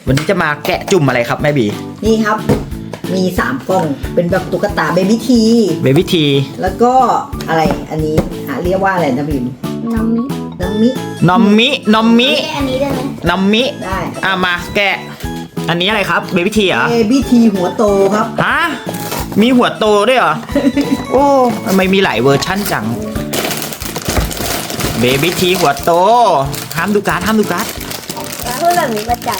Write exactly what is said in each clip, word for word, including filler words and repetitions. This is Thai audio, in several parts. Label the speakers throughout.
Speaker 1: วันนี้จะมาแกะจุ่มอะไรครับแม่บี
Speaker 2: นี่ครับมีสามกล่องเป็นแบบตุ๊กตาเบบี้ที
Speaker 1: เบบี้ที
Speaker 2: แล้วก็อะไรอันนี้อ่ะเรียกว่าอะไรนะบิม
Speaker 3: น้ำมิ
Speaker 2: น้ำมิ
Speaker 1: นอมมินอมมิ
Speaker 3: อันนี้ได้ไหม
Speaker 1: นอมมิ
Speaker 2: ได้
Speaker 1: อ่ะมาแกะอันนี้อะไรครับเบบี้ทีเหรอ
Speaker 2: เบบี้ทีหัวโตครับ
Speaker 1: ฮะมีหัวโตด้วยเหรอ โอ้ทำไมมีหลายเวอร์ชั่นจังเบบี้ทีหัวโตห้ามดูการ์ดห้ามดูการ์ด
Speaker 3: แล้วพูดแบบนี้ประจ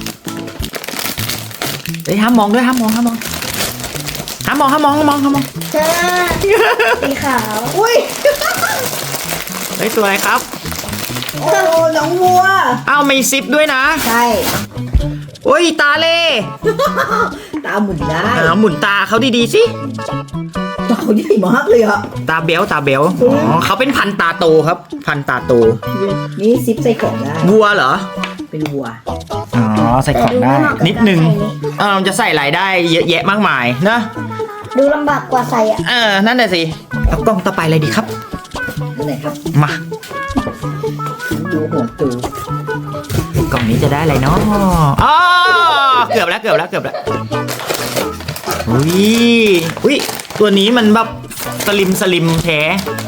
Speaker 1: เฮ้ยห้ามมองด้วยห้ามมองห้ามมองห้ามมองห้ามมองห้ามมองห้ามมอง
Speaker 3: ำใช่สีขาว
Speaker 2: อุ้ย
Speaker 1: เฮ้ยตัวอะไรครับ
Speaker 2: โอ้น้องวัว
Speaker 1: อ้าวมีซิปด้วยนะ
Speaker 2: ใช่
Speaker 1: โอ้ยตาเล่
Speaker 2: ตาหมุนได้
Speaker 1: อ่าหมุนตาเขาดีๆสิ
Speaker 2: เต่าใหญ่มากเลยอ่ะ
Speaker 1: ตาเบลตาเบลอ๋อเขาเป็นพันธุ์ตาโตครับ พันธุ์ตาโต
Speaker 2: นี่ซิปใส่ของได้
Speaker 1: วัวเหรอ
Speaker 2: เป็นวัว
Speaker 1: อ๋อใส่ของได้นิดนึงเออมันจะใส่หลายได้เยอะแยะมากมายนะ
Speaker 3: ดูลำบากกว่าใส่อ่ะ
Speaker 1: เออนั่นแหละสิเอากล้องต่อไปเลยดีครับ
Speaker 2: อันไหนครับ
Speaker 1: มา
Speaker 2: ดูหัวตู
Speaker 1: กล่องนี้จะได้อะไรเนาะอ๋อเกือบแล้วเกือบแล้วเกือบแล้วอุ้ยอุ้ยตัวนี้มันแบบสลิมสลิมแท้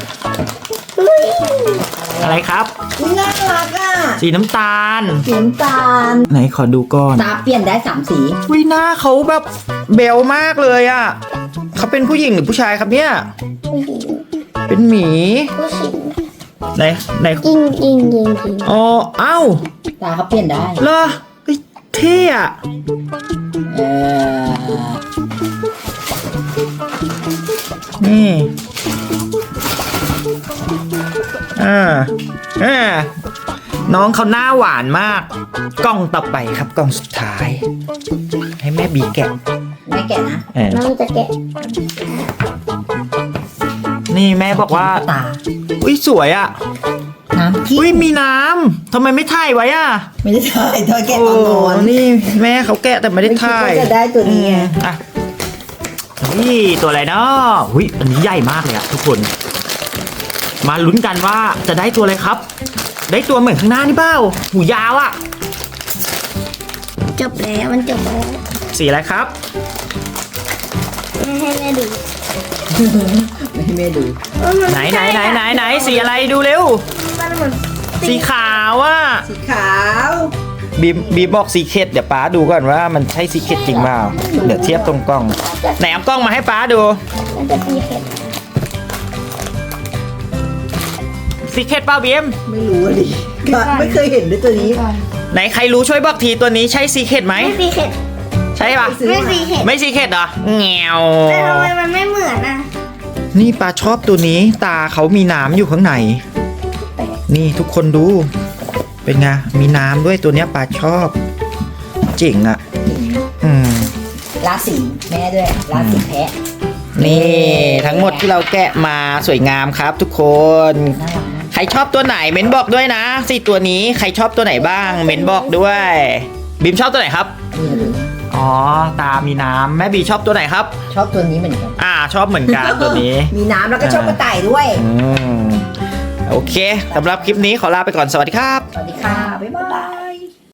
Speaker 1: อะไรครับ
Speaker 2: อุ๊ยน่ารักอ่ะ
Speaker 1: สีน้ำตาล
Speaker 2: สีน้ำตาล
Speaker 1: ไหนขอดูก่อน
Speaker 2: ตาเปลี่ยนได้สามสี
Speaker 1: อุ้ยหน้าเขาแบบเบลมากเลยอ่ะเขาเป็นผู้หญิงหรือผู้ชายครับเนี่ย
Speaker 3: ผู้หญิง
Speaker 1: เป็นหมี
Speaker 3: ผู้หญิง
Speaker 1: ไหนไหน
Speaker 3: ยิงยิงยิงยิง
Speaker 1: อ๋อเอ้า
Speaker 2: ตาเขาเปลี่ยนได้
Speaker 1: เหรอเฮ้ยเท่อะ
Speaker 2: เออ
Speaker 1: นี่อ่าอ่าน้องเขาหน้าหวานมาก กล้องต่อไปครับกล้องสุดท้าย ให้แม่บีแกะ
Speaker 2: ไม่แกะนะ
Speaker 1: เออ
Speaker 3: น้องจะแกะ
Speaker 1: นี่แม่บอกว่า
Speaker 2: ตา
Speaker 1: อุ้ยสวยอะ
Speaker 2: น้ำที่
Speaker 1: อุ้ยมีน้ำทำไมไม่ถ่ายไว้อะ
Speaker 2: ไม่ได้ถ่ายตอนแกะ
Speaker 1: โอ้
Speaker 2: ตอนนอน
Speaker 1: นี่แม่เขาแกะแต่ไม่ได้ถ่าย
Speaker 2: ไม่คิดว่าจะได้ตัวนี้ไง
Speaker 1: อ่ะนี่ตัวอะไรเนาะอุ้ยอันนี้ใหญ่มากเลยอะทุกคน มาลุ้นกันว่าจะได้ตัวอะไรครับ ได้ตัวเหมือนข้างหน้านี่เปล่าหูยาวอะ
Speaker 3: จบแล้วมันจบแล้ว
Speaker 1: สีอะไรครับ
Speaker 3: ไม่ให้แม่ดู
Speaker 2: ไม่ให้แม่ดู
Speaker 3: เออมั
Speaker 1: ไหนไหนไหนไหนไหนสีอะไรดูเร็ว
Speaker 3: มันเหมือน
Speaker 1: สีขาวอะ
Speaker 2: สีขาว
Speaker 1: บีมบีมบอกสีเข็ดเดี๋ยวป้าดูก่อนว่ามันใช่สีเข็ดจริงเปล่าเดี๋ยวเทียบตรงกล้องไหนเอากล้องมาให้ป้าดู
Speaker 3: มันจะมีเห็ด
Speaker 1: สีเข็ดเปล่าบีม
Speaker 2: ไม่รู้อะดิไม่เคยเห็นด้วยตัวนี้
Speaker 1: ไหนใครรู้ช่วยบอกทีตัวนี้ใช่สีเข็ดไหม
Speaker 3: ไม่มีเห็ด
Speaker 1: ใช่ปะ
Speaker 3: ไม่มีเห็ด
Speaker 1: ไม่สีเข็ดเหรอแงว
Speaker 3: แต่ทำไมมันไม่เหมือนอ่ะ
Speaker 1: นี่ป้าชอบตัวนี้ตาเขามีน้ำอยู่ข้างในนี่ทุกคนดู เป็นไงมีน้ำด้วยตัวเนี้ยป้าชอบเจ๋งอ่ะอืม
Speaker 2: ราศีแม่ด้วยราศีแพะ
Speaker 1: นี่ทั้งหมดที่เราแกะมาสวยงามครับทุกคน
Speaker 2: น่ารักนะ
Speaker 1: ใครชอบตัวไหนเม้นบอกด้วยนะสี่ตัวนี้ใครชอบตัวไหนบ้างเม้นบอกด้วยบีมชอบตัวไหนครับ
Speaker 2: นี่ดู
Speaker 1: อ๋อตามีน้ำแม่บีชอบตัวไหนครับ
Speaker 2: ชอบตัวนี้เหมือนกัน
Speaker 1: อ่าชอบเหมือนกันตัวนี้
Speaker 2: มีน้ำแล้วก็ชอบกระต่ายด้วย
Speaker 1: อืมโอเคสำหรับคลิปนี้ขอลาไปก่อนสวัสดีครับ
Speaker 2: สวัสดีค่ะ บ๊ายบาย